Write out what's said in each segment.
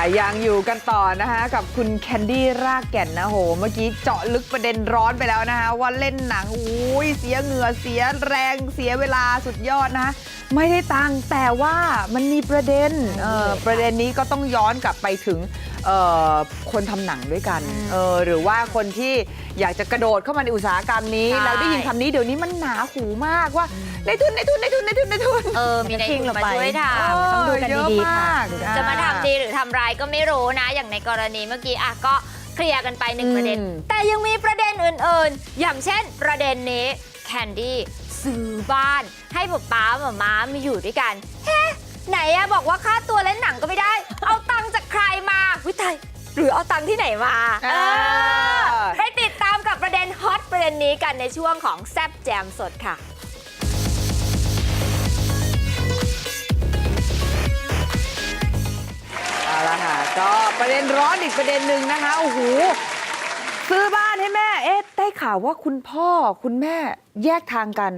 ยังอยู่กันต่อนะคะกับคุณแคนดี้รากแก่นนะโหเมื่อกี้เจาะลึกประเด็นร้อนไปแล้วนะคะว่าเล่นหนังอุ้ยเสียเหงื่อเสียแรงเสียเวลาสุดยอดนะคะไม่ได้ตังค์แต่ว่ามันมีประเด็นประเด็นนี้ก็ต้องย้อนกลับไปถึงคนทำหนังด้วยกันหรือว่าคนที่อยากจะกระโดดเข้ามาในอุตสาหกรรมนี้แล้วได้ยินคำนี้เดี๋ยวนี้มันหนาหูมากว่าในทุนมีในทุนมาช่วยทำต้องดูกันดีๆค่ะจะมาทำดีหรือทำร้ายก็ไม่รู้นะอย่างในกรณีเมื่อกี้ก็เคลียร์กันไป1ประเด็นแต่ยังมีประเด็นอื่นๆอย่างเช่นประเด็นนี้แคนดี้ซื้อบ้านให้ป๊าม้ามาอยู่ด้วยกันไหนบอกว่าค่าตัวเล่นหนังก็ไม่ได้เอาตังค์จากใครมาวิทยหรือเอาตังค์ที่ไหนมาไปติดตามกับประเด็นฮอตประเด็นนี้กันในช่วงของแซ่บแจมสดค่ะเอาละค่ะก็ประเด็นร้อนอีกประเด็นหนึ่งนะคะโอ้โหซื้อบ้านให้แม่ได้ข่าวว่าคุณพ่อคุณแม่แยกทางกัน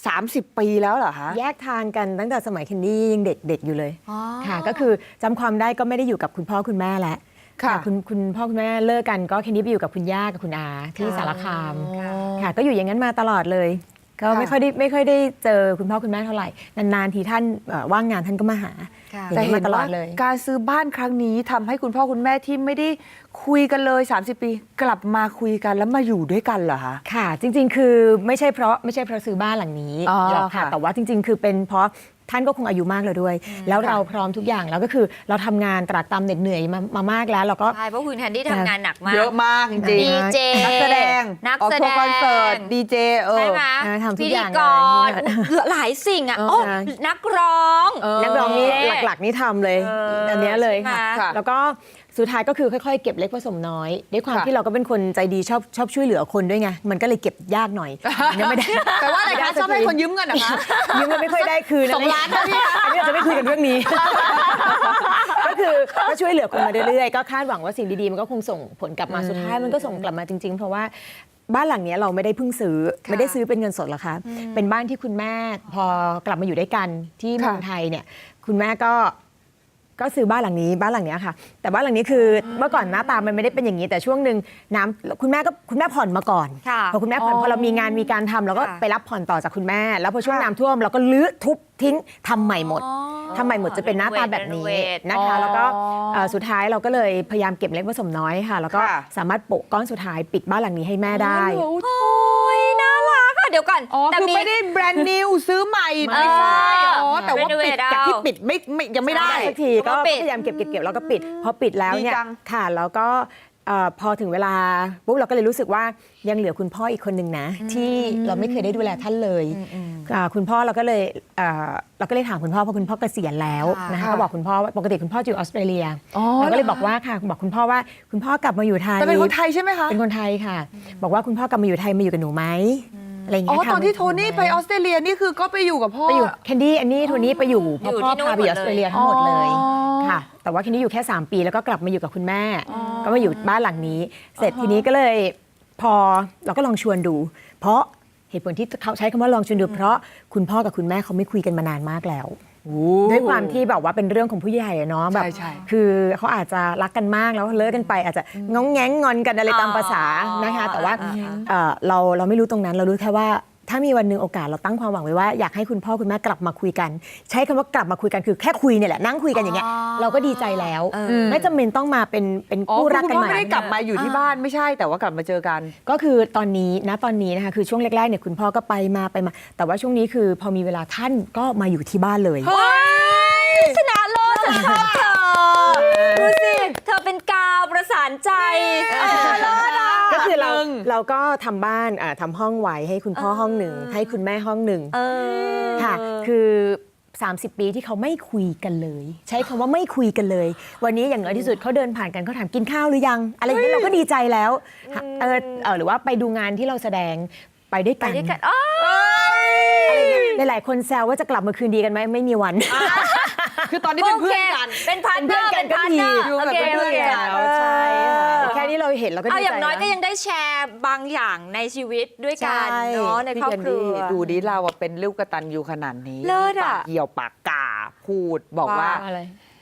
30 ปีแล้วเหรอคะแยกทางกันตั้งแต่สมัยเคนดี้ยังเด็กอยู่เลยค่ะก็คือจำความได้ก็ไม่ได้อยู่กับคุณพ่อคุณแม่แล้วค่ะคุณพ่อคุณแม่เลิกกันก็เคนดี้ไปอยู่กับคุณย่ากับคุณอาที่สารคามค่ะก็อยู่อย่างนั้นมาตลอดเลยก็ไม่ค่อยได้เจอคุณพ่อคุณแม่เท่าไหร่นานๆทีท่านว่างงานท่านก็มาหาแต่เห็นว่าการซื้อบ้านครั้งนี้ทำให้คุณพ่อคุณแม่ที่ไม่ได้คุยกันเลย30 ปีกลับมาคุยกันแล้วมาอยู่ด้วยกันเหรอคะค่ะจริงๆคือไม่ใช่เพราะซื้อบ้านหลังนี้หรอกค่ะแต่ว่าจริงๆคือเป็นเพราะท่านก็คงอายุมากแล้วด้วยแล้วเราพร้อมทุกอย่างแล้วก็คือเราทำงานตรากตรำเหน็ดเหนื่อยมามากแล้วเราก็ใช่เพราะคุณแคนดี้ทำงานหนักมากเยอะมากจริงๆดีเจนักแสดงออกทัวร์คอนเสิร์ตดีเจใช่ไหมทำทุกอย่างพิธีกรหลายสิ่งนักร้องนี่หลักๆนี่ทำเลยอันนี้เลยค่ะแล้วก็สุดท้ายก็คือค่อยๆเก็บเล็กผสมน้อยด้วยความที่เราก็เป็นคนใจดีชอบช่วยเหลือคนด้วยไงมันก็เลยเก็บยากหน่อยไม่ได้แต่ว่าอะไรคะชอบให้คนยืมเงินเหรอคะยืมเงินไม่ค่อยได้คืน 2 ล้านนะพี่อันนี้เราจะไม่คุยกันเรื่องนี้ก็คือก็ช่วยเหลือคนมาเรื่อยๆก็คาดหวังว่าสิ่งดีๆมันก็คงส่งผลกลับมาสุดท้ายมันก็ส่งกลับมาจริงๆเพราะว่าบ้านหลังนี้เราไม่ได้เพิ่งซื้อไม่ได้ซื้อเป็นเงินสดหรอกค่ะเป็นบ้านที่คุณแม่พอกลับมาอยู่ด้วยกันที่เมืองไทยเนี่ยคุณแม่ก็ซื้อบ้านหลังนี้ค่ะแต่บ้านหลังนี้คือเมื่อก่อนหน้าตามันไม่ได้เป็นอย่างนี้แต่ช่วงหนึ่งน้ำคุณแม่ผ่อนมาก่อนพอคุณแม่ผ่อนพอเรามีงานมีการทำเราก็ไปรับผ่อนต่อจากคุณแม่แล้วพอช่วงน้ำท่วมเราก็ลื้อทุบทิ้งทำใหม่หมดจะเป็นหน้าตาแบบนี้นะคะแล้วก็สุดท้ายเราก็เลยพยายามเก็บเล็กผสมน้อยค่ะแล้วก็สามารถโปะก้อนสุดท้ายปิดบ้านหลังนี้ให้แม่ได้น่ารักเดี๋ยวก่อนแต่คือไม่ได้แบรนด์นิวซื้อใหม่ไม่ใช่แต่ว่าปิดจากที่ปิดยังไม่ได้สักทีก็พยายามเก็บแล้วก็ปิดพอปิดแล้วเนี่ยค่ะแล้วก็พอถึงเวลาปุ๊บเราก็เลยรู้สึกว่ายังเหลือคุณพ่ออีกคนหนึ่งนะที่เราไม่เคยได้ดูแลท่านเลยคุณพ่อเราก็เลยถามคุณพ่อเพราะคุณพ่อเกษียณแล้วนะคะก็บอกคุณพ่อว่าปกติคุณพ่ออยู่ออสเตรเลียเราก็เลยบอกว่าค่ะบอกคุณพ่อว่าคุณพ่อกลับมาอยู่ไทยแต่เป็นคนไทยใช่ไหมคะเป็นคนไทยค่ะบอกว่าคุณพ่อกลับมาอยู่ไทยมาอยู่กับหนูไหมอะไรอย่างเงี้ยตอนที่โทนี่ไปออสเตรเลียนี่คือก็ไปอยู่กับพ่อไปอยู่แคนดี้อันนี้โทนี่ไปอยู่เพราะพ่อพาไปออสเตรเลียทั้งหมดเลยค่ะแต่ว่าแคนดี้อยู่แค่3 ปีแล้วก็กลับมาอยู่กับคุณแม่ก็มาอยู่บ้านหลังนี้เสร็จทีนี้ก็เลยพอเราก็ลองชวนดูเพราะเหตุผลที่เขาใช้คำว่าลองชวนดูเพราะคุณพ่อกับคุณแม่เขาไม่คุยกันมานานมากแล้วด้วยความที่แบบว่าเป็นเรื่องของผู้ใหญ่เนาะแบบคือเขาอาจจะรักกันมากแล้วเลิกกันไปอาจจะง้องแง้งงอนกันอะไรตามภาษานะคะแต่ว่าเราไม่รู้ตรงนั้นเรารู้แค่ว่าถ้ามีวันหนึ่งโอกาสเราตั้งความหวังไว้ว่าอยากให้คุณพ่อคุณแม่กลับมาคุยกันใช้คำว่ากลับมาคุยกันคือแค่คุยเนี่ยแหละนั่งคุยกันอย่างเงี้ยเราก็ดีใจแล้วไม่จำเป็นต้องมาเป็นคู่รักกันใหม่ไม่ได้กลับมาอยู่ที่บ้านไม่ใช่แต่ว่ากลับมาเจอกันก็คือตอนนี้นะคะคือช่วงแรกๆเนี่ยคุณพ่อก็ไปมาแต่ว่าช่วงนี้คือพอมีเวลาท่านก็มาอยู่ที่บ้านเลยชนะเลิศฉันชอบเธอดูสิเธอเป็นกาวประสานใจก็คือเราก็ทำบ้านทำห้องไว้ให้คุณพ่อห้องหนึ่งให้คุณแม่ห้องหนึ่งค่ะคือ30 ปีที่เขาไม่คุยกันเลยใช้คำว่าไม่คุยกันเลยวันนี้อย่างน้อยที่สุดเขาเดินผ่านกันเขาถามกินข้าวหรือยังอะไรอย่างนี้เราก็ดีใจแล้วหรือว่าไปดูงานที่เราแสดงไปด้วยกันหลายคนแซวว่าจะกลับมาคืนดีกันไหมไม่มีวันคือตอนนี้เป็นเพื่อนกันเป็นพาร์ทเนอร์กันก็ดีอยู่แบบเป็นเพื่อนกันใช่แค่นี้เราเห็นเราก็ดีใจอย่างน้อยก็ยังได้แชร์บางอย่างในชีวิตด้วยกันเนาะในครอบครัวดูดิเราเป็นลูกกตัญญูขนาดนี้เลิศปากเหี่ยวปากกาพูดบอกว่า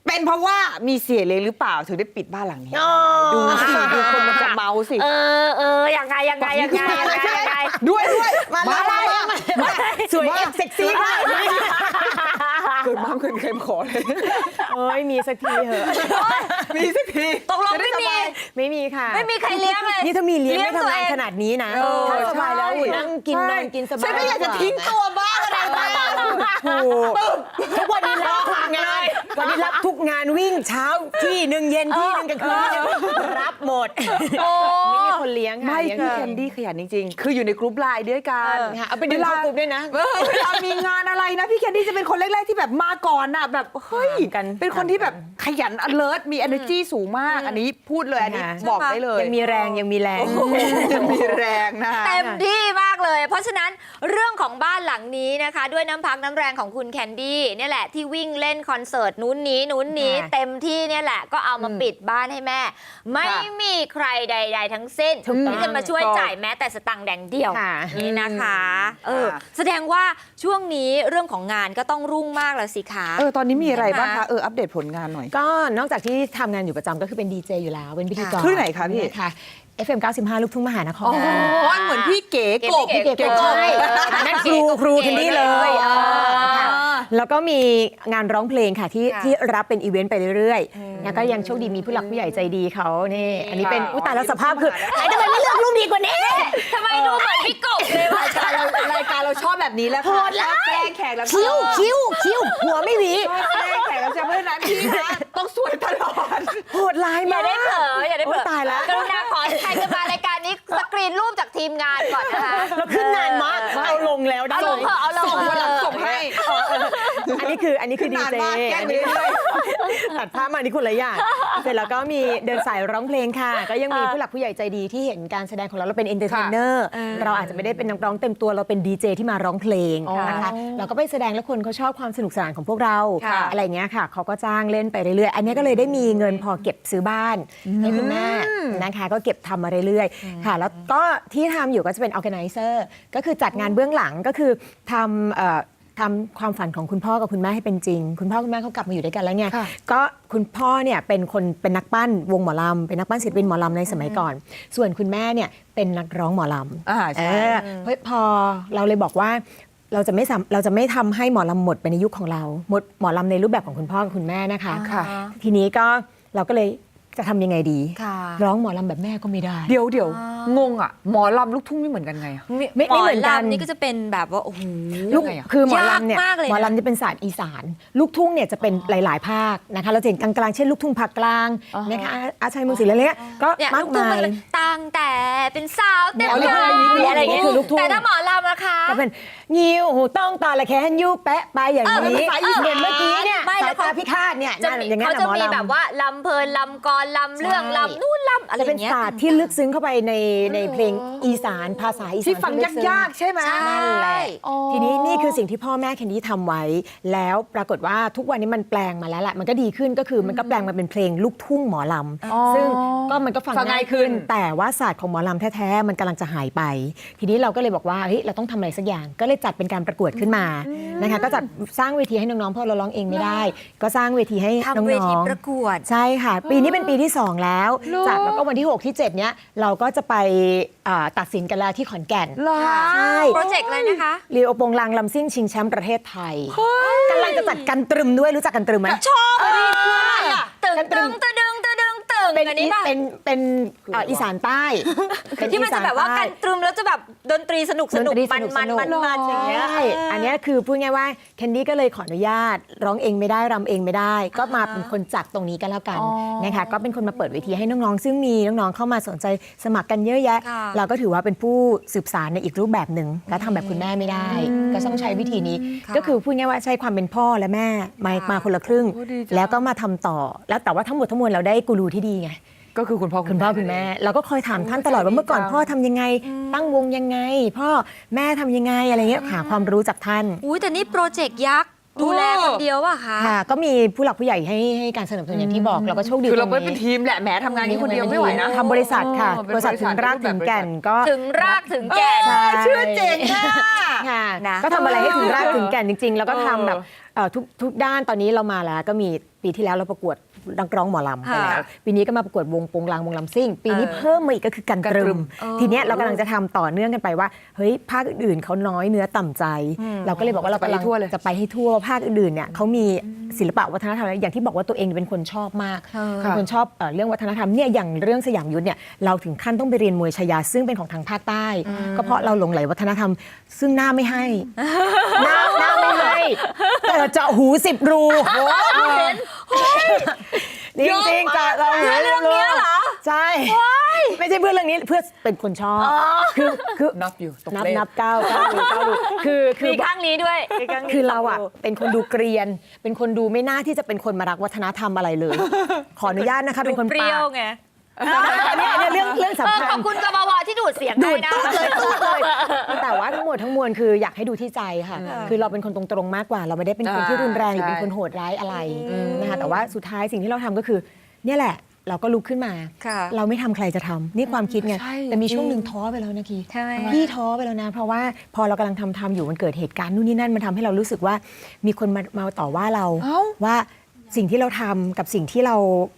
เป็นเพราะว่ามีเสียเลยหรือเปล่าถึงได้ปิดบ้านหลังนี้อ๋อดูสิดูคนมันจะเมาสิยังไงด้วยมา สวยเซ็กซี่มากเกิดมาเกินเคยขอเลยโอ้ยมีสักทีเหอะมีสักทีตกลงไม่มีไม่มีค่ะไม่มีใครเลี้ยงเลยนี่ถ้ามีเลี้ยงไม่ทำงานขนาดนี้นะเออถ้าสบายแล้วใช่นั่งกินนอนกินสบายฉันไม่อยากจะทิ้งตัวบ้างอะไรบ้างถูกทุกวันนี้รับทุกงานวันนี้รับทุกงานวิ่งเช้าที่หนึ่งเย็นที่หนึ่งกลางคืนที่หนึ่งรับหมดไม่มีคนเลี้ยงค่ะไม่เลี้ยงพี่แคนดี้ขยันจริงๆ คืออยู่ในกรุ๊ปไลน์ด้วยกันค่ะเอาไปดึงเข้ากลุ่มด้วยนะเวลามีงานอะไรนะพี่แคนดี้จะเป็นคนแรกๆที่แบบมาก่อนน่ะแบบเฮ้ยกันเป็นคนที่แบบขยัน alert มี energy สูงมาก อันนี้พูดเลยอันนี้ค่ะบอกได้เลยยังมีแรงยังมีแรงยังมีแรงนะเต็มที่มากเลย เพราะฉะนั้นเรื่องของบ้านหลังนี้นะคะ ด้วยน้ำพักน้ำแรงของคุณแคนดี้เนี่ยแหละที่วิ่งเล่นคอนเสิร์ตนู้นนี้ค่ะเต็มที่เนี่ยแหละก็เอามาปิดบ้านให้แม่ ไม่มีใครใด ๆ ทั้งสิ้นถูกต้องที่จะมาช่วยจ่ายแม้แต่สตังค์แดงเดียวค่ะนี่นะคะค่ะแสดงว่าช่วงนี้เรื่องของงานก็ต้องรุ่งมากแล้วสิคะตอนนี้มีอะไรบ้างคะอัปเดตผลงานหน่อยก็นอกจากที่ทำงานอยู่ประจำก็คือเป็นดีเจอยู่แล้วเป็นพิธีกรคลื่นไหนคะพี่ค่ะ FM 95 ลูกทุ่งมหานครอ๋อเหมือนพี่เก๋กบพี่เก๋กบใช่นั่นครูคนนี้เลยค่ะแล้วก็มีงานร้องเพลงค่ะที่รับเป็นอีเวนต์ไปเรื่อยๆแล้วก็ยังโชคดีมีผู้หลักผู้ใหญ่ใจดีเขานี่อันนี้เป็นอุยตายแล้วสภาพคือไอ้ทำไมไม่เลือกลูกดีกว่านี้ทำไมดูเหมือนพี่กบเลยว่ะรายการเราชอบแบบนี้แล้วโหค่ะดร้ายแกล้งแขกรับเชิคิ้วญคิ้วหัวไม่หวีชอบแกล้งแขกรับเชิญเพราะฉะนั้นพี่นะต้องสวยตลอดโหดร้ายอย่ามากได้เผลออย่าได้เผลโอ๊อยตายแล้วกรุณาขอใครจะมารายการนี้สกรีนรูปจากทีมงานก่อนนะคะเราขึ้นนานมากเอาลงแล้วได้เอาลงเถอะเอาลงวันหลังส่งให้อันนี้คือขึ้นดีนานเจมากแกล้งไปเรื่อยตัดภาพมานี่คนละอย่างเสร็จแล้วก็มีเดินสายร้องเพลงค่ะ ก็ยังมีผู้หลักผู้ใหญ่ใจดีที่เห็นการแสดงของเราเป็นเอนเตอร์เทนเนอร์เราอาจจะไม่ได้เป็นนักร้องเต็มตัวเราเป็นดีเจที่มาร้องเพลงนะคะเราก็ไปแสดงแล้วคนเขาชอบความสนุกสนานของพวกเราค่ะอะไรอย่างเงี้ยค่ะเขาก็จ้างเล่นไปเรื่อยๆอันนี้ก็เลยได้มีเงินพอเก็บซื้อบ้านให้คุณแม่นะคะก็เก็บทำมาเรื่อยๆค่ะแล้วก็ที่ทำอยู่ก็จะเป็น organizer ก็คือจัดงานเบื้องหลังก็คือทำความฝันของคุณพ่อกับคุณแม่ให้เป็นจริง คุณพ่อคุณแม่เขากลับมาอยู่ด้วยกันแล้วเนี่ยค่ะก็คุณพ่อเนี่ยเป็นนักปั้นวงหมอลำเป็นนักปั้นศิลปินหมอลำในสมัยก่อน ส่วนคุณแม่เนี่ยเป็นนักร้องหมอลำใช่เพราะพอเราเลยบอกว่าเราจะไม่ทำให้หมอลำหมดไปในยุคของเราหมดหมอลำในรูปแบบของคุณพ่อกับคุณแม่นะคะค่ะทีนี้ก็เราก็เลยจะทำยังไงดีค่ะร้องหมอลำแบบแม่ก็ไม่ได้เดี๋ยวงงอ่ะหมอลำลูกทุ่งไม่เหมือนกันไงอะไม่เหมือนกันหลำนี่ก็จะเป็นแบบว่าโอ้โหลูกยังไงอะคือหมอลำเนี่ยยากมากเลยนะหมอลำจะเป็นศาสตร์อีสาน ลูกทุ่งเนี่ยจะเป็นหลาย ๆ ภาคนะคะเราจะเห็นกลางๆเช่นลูกทุ่งภาคกลางนะคะอาชัยเมืองศรีอะไรเงี้ยก็เนี่ยมาลูกกทุ่งมามันยจะตั้งแต่เป็นสาวเต็มอ๋อกายอะไรอย่างเงี้ยคือลูกทุ่งแต่ถ้าหมอลำนะคะก็เป็นงิ้วหูต้องตาละแคนยูแปะไปอย่างนี้เออเหมือนเมื่อกี้เนี่ยไม่แล้วสายตาพิฆาตเนี่ยจะนั่นมีอย่างเงี้ยเขานะจะหมอมีลำแบบว่าลำเพลินลำกรลำเรื่องใช่ลำนู่นลำอะไรจะอเป็นย่างเงี้ยศาสตร์ที่ลึกซึ้งเข้าไปในเพลงอีสานภาษาอีสานที่ฟังลึซึ้ยากๆใช่ไหมใช่นั่นแหละอ๋อทีนี้นี่คือสิ่งที่พ่อแม่แคนดี้ทำไว้ แล้วปรากฏว่าทุกวันนี้มันแปลงมาแล้วแหละมันก็ดีขึ้นก็คือมันก็แปลงมาเป็นเพลงลูกทุ่งหมอลำซึ่งก็มันก็ฟังฟังง่าง่าย ยขึ้ขึ้นน แต่ว่าศาสตร์ของหมอลำแท้ๆมันกำลังจะหายไป ทีนี้เราก็เลยบอกว่าเฮ้ยเราต้องทำอะไรสักอย่าง ก็เลยจัดเป็นการประกวดขึ้นมานะคะก็จัดสร้างเวทีให้น้องๆเพราะเราร้องเองไม่ได้ ก็สร้างเวทีให้น้ทำเวทีองประกวดๆใช่ค่ะ ปีนี้เป็นปีที่ 2 แล้วจัดแล้วก็วันที่ 6 ที่ 7 เนี้ยเราก็จะไปตัดสินกันแล้วที่ขอนแก่นเหรอใช่โปรเจกต์อะไรนะคะลีโอโปงลางลำซิ่งชิงแชมป์ประเทศไทยกำลังจะจัดกันตรึมด้วยรู้จักกันตรึมไหมชอบเลยคืออะไรอ่ะตึงตึงตึงตึงตึงตึงเป็นอันนี้ป่ะเป็นอีสานใต้เป็ที่มันจะแบบว่าอีสกันตรึมแล้วจะแบบดนตรีสนุกสนุกดนตรีมันมันมันมันอย่างเงี้ยใช่อันเนี้ยคือพูดง่ายว่าแคนดี้ก็เลยขออนุญาต ร้องเองไม่ได้รำเองไม่ได้ ก็มาเป็นคนจัดตรงนี้กันแล้วกันนะคะก็เป็นคนมาเปิดเวทีให้น้องๆซึ่งมีน้องๆเข้ามาสนใจสมัครกันเยอะแยะค่ะเราก็ถือว่าเป็นผู้สืบสารในอีกรูปแบบหนึ่งและทำแบบคุณแม่ไม่ได้ ก็ต้องใช้วิธีนี้ค่ะก็คือพูดง่ายว่าใช้ความเป็นพ่อและแม่มาคนละครึ่งโอ้ดีจังแล้วก็มาทำต่อแล้วแต่ว่าทั้งหมดทั้งมวลเราได้กูรูที่ดีไงก็คือคุณพ่อคุณพ่อคุณแม่เราก็คอยถามท่านตลอดว่าเมื่อก่อนพ่อทำยังไง ตั้งวงยังไง พ่อแม่ทำยังไงอะไรเงี้ยหาความรู้จากท่านอุ้ยแต่นี่โปรเจกต์ยักษ์ดูแลคนเดียวป่ะคะค่ะ ก็มีผู้หลักผู้ใหญ่ให้การสนับสนุนอย่างที่บอกเราก็โชคดีคือเราตไม่งเป็นทีมแหละแหมทำงานนี้คนเดียวไม่ไหวนะทำบริษัทค่ะเป็นบริษัทถึงรากถึงแก่นก็ถึงรากถึงแก่นใช่ชื่อเจ๋งอะค่ะนะก็ทำอะไรให้ถึงรากถึงแก่นจริง ๆ แล้วก็ทำแบบทุกด้านตอนนี้เรามาแล้วก็มีปีที่แล้วเราประกวดนักร้องหมอลำไปแล้วปีนี้ก็มาประกวดวงโปงลางวงลำซิ่งปีนี้เพิ่มมาอีกก็คือกันตรึมทีเนี้ยเรากำลังจะทำต่อเนื่องกันไปว่าเฮ้ยภาคอื่นๆเขาน้อยเนื้อต่ำใจ เราก็เลยบอกว่าเรากำลังจะไปให้ทั่วภาคอื่นๆเนี่ยเขามีศิลปะวัฒนธรรมอย่างที่บอกว่าตัวเองเป็นคนชอบมากเป็นคนชอบเรื่องวัฒนธรรมเนี่ยอย่างเรื่องสยามยุทธเนี่ยเราถึงขั้นต้องไปเรียนมวยชายาซึ่งเป็นของทางภาคใต้ก็เพราะเราหลงไหลวัฒนธรรมซึ่งหน้าไม่ให้ หน้าไม่ให้แต่เจาะหู10 รูจริงๆเจาะเราหู10 รูใช่ไม่ใช่เพื่อเรื่องนี้เพื่อเป็นคนชอบคือนับอยู่ตกนับเลขนับ9 รูคือมีข้างนี้ด้วยมีข้างนี้คือเราอ่ะเป็นคนดูเกรียน เป็นคนดูไม่น่าที่จะเป็นคนมารักวัฒนธรรมอะไรเลย ขออนุญาตนะคะเป็นคนเปรี้ยวไงอันนี้เรื่องสำคัญขอบคุณกบวที่ดูดเสียงดูได้ดนะตุ๊ดเลยแต่ว่าทั้งหมดทั้งมวลคืออยากให้ดูที่ใจค่ะ คือเราเป็นคนตรงๆมากกว่า เราไม่ได้เป็นคนที่รุนแรงหรือเป็นคนโหดร้ายอะไรนะคะแต่ว่าสุดท้ายสิ่งที่เราทำก็คือเนี่ยแหละเราก็ลุกขึ้นมา เราไม่ทำใครจะทำนี่ความคิดไงแต่มีช่วงหนึ่งท้อไปแล้วนะคีใช่พี่ท้อไปแล้วนะ เพราะว่าพอเรากำลังทำอยู่มันเกิดเหตุการณ์นู่นนี่นั่นมันทำให้เรารู้สึกว่ามีคนมาต่อว่าเราว่าสิ่งที่เราทำกับสิ่งที่เรา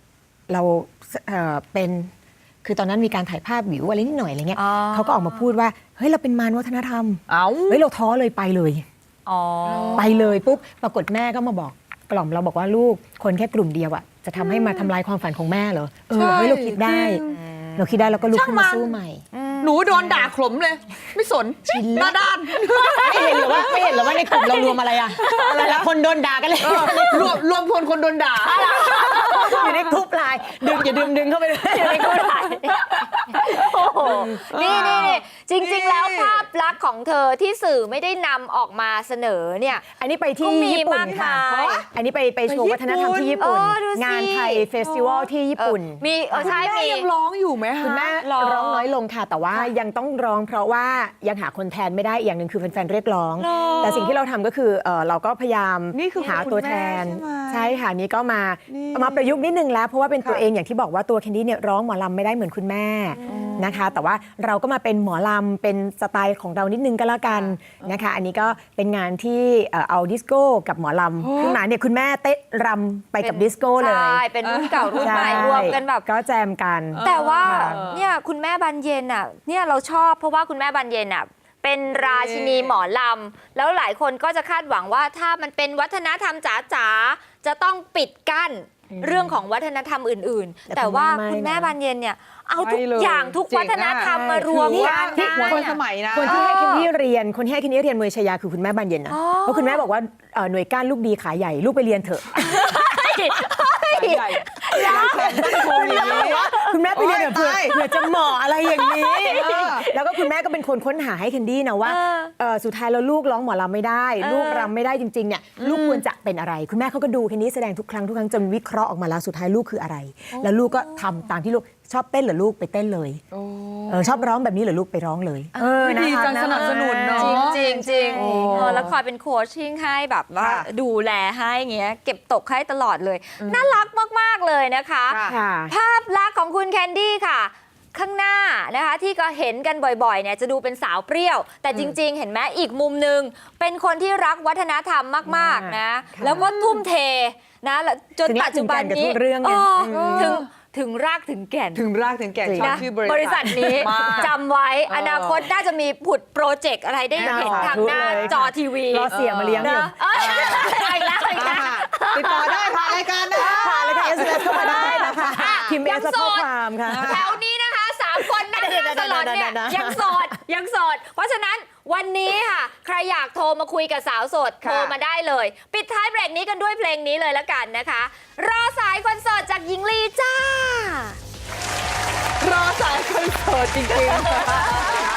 เป็นคือตอนนั้นมีการถ่ายภาพวิวอะไรนิดหน่อยอะไรเงี้ยเขาก็ออกมาพูดว่าเฮ้ยเราเป็นมารวัฒนธรรมเฮ้ยเราท้อเลยไปเลยไปเลยปุ๊บปรากฏแม่ก็มาบอกกล่อมเราบอกว่าลูกคนแค่กลุ่มเดียวอะจะทำให้มาทำลายความฝันของแม่เหรอเฮ้ยเราคิดได้เราคิดได้เราก็ลุกขึ้นมาสู้ใหม่หนูโดนด่าขลมเลย ไม่สนหน้าด้านไม่เห็นหรือว่าในกลุ่มเรารวมอะไรอะอะไรละคนโดนด่ากันเลยรวมพลคนโดนด่าอยู่ในกรุ๊ปไลน์อย่าดึงเข้าไปเลยอยู่ในกู้ถ่ายโอ้โหนี่จริงๆแล้วภาพลักษณ์ของเธอที่สื่อไม่ได้นำออกมาเสนอเนี่ยอันนี้ไปที่ญี่ปุ่นค่ะ อันนี้ไปโชว์วัฒนธรรมที่ญี่ปุ่นดูสิงานไทยเฟสติวัลที่ญี่ปุ่นมีใช่มียังร้องอยู่ไหมคะคุณแม่ร้องน้อยลงค่ะ แต่ว่ายังต้องร้องเพราะว่ายังหาคนแทนไม่ได้อีกอย่างหนึ่งคือแฟนๆเรียกร้อง แต่สิ่งที่เราทำก็คือเราก็พยายามนี่คือหาตัวแทนคุณแม่ใช่ไหมใช่ค่ะนี่ก็มาประยุกต์นิดนึงแล้วเพราะว่าเป็นตัวเองอย่างที่บอกว่าตัวแคนดี้เนี่ยร้องหมอลำไม่ได้เหมือนคุณแม่นะคะ แต่ว่าเราก็มาเป็นหมอลำเป็นสไตล์ของเรานิดนึงก็แล้วกันนะคะ อันนี้ก็เป็นงานที่เอาดิสโก้กับหมอลำขึ้นมาเนี่ยคุณแม่เต้นรำไปกับดิสโก้เลยใช่เป็นรุ่นเก่ารุ่นใหม่รวมกันแบบก็แจมกันแต่ว่าเนี่ยคุณแม่บานเย็นอ่ะเนี่ยเราชอบเพราะว่าคุณแม่บานเย็นอ่ะเป็นราชินีหมอลำแล้วหลายคนก็จะคาดหวังว่าถ้ามันเป็นวัฒนธรรมจ๋าๆจะต้องปิดกั้นเรื่องของวัฒนธรรมอื่นๆ แต่ว่าคุณแม่บานเย็นเนี่ยเอาทุกอย่างทุกวัฒนธรรมมารวมกันที่ได้คนสมัยนะคนที่ให้แคนดี้เรียนมวยชายาคือคุณแม่บานเย็นนะเพราะคุณแม่บอกว่าหน่วยก้านลูกดีขาใหญ่ลูกไปเรียนเถอะใหญ่แขนตั้งโค้งอย่างนี้คุณแม่ไปเรียนเถอะเผื่อจะเหมาะอะไรอย่างนี้ แล้วก็คุณแม่ก็เป็นคนค้นหาให้แคนดี้นะว่าสุดท้ายแล้วลูกร้องหมอลำไม่ได้ ลูกรำไม่ได้จริงๆเนี่ยลูกควรจะเป็นอะไร คุณแม่เขาก็ดูแคนดี้แสดงทุกครั้งจนวิเคราะห์ออกมาแล้วสุดท้ายลูกคืออะไร แล้วลูกก็ทำตามที่ลูกชอบเต้นเหรอลูกไปเต้นเลยชอบร้องแบบนี้เหรอลูกไปร้องเลยดีจังสนับสนุนเนาะจริงแล้วคอยเป็นโค้ชชิ่งให้แบบว่าดูแลให้อย่างเงี้ยเก็บตกให้ตลอดเลยน่ารักมากๆเลยนะคะ ภาพลักษณ์ของคุณแคนดี้ค่ะ ข้างหน้านะคะที่ก็เห็นกันบ่อยๆเนี่ยจะดูเป็นสาวเปรี้ยว แต่จริงๆเห็นไหมอีกมุมหนึ่งเป็นคนที่รักวัฒนธรรมมากๆนะแล้วก็ทุ่มเทนะจนปัจจุบันนี้ถึงรากถึงแก่นถึงรากถึงแก่นชอบชื่อบริษัทนี้มากจำไว้อนาคตน่าจะมีผุดโปรเจกต์อะไรได้เห็นทางหน้าจอทีวีรอเสียมาเลี้ยงอยู่อีกแล้วติดต่อได้ผ่านรายการนะผ่านรายการ SMS เข้ามาได้นะคะพิมพ์ SMS ข้อความค่ะแถวนี้นะคะ3 คนนั่งหน้าตลอดเนี่ยยังโสดเพราะฉะนั้นวันนี้ค่ะใครอยากโทรมาคุยกับสาวโสดโทรมาได้เลย ปิดท้ายเบรกนี้กันด้วยเพลงนี้เลยละกันนะคะ รอสายคอนเสิร์ตจากหญิงลีจ้ารอสายคอนเสิร์ตจริงๆ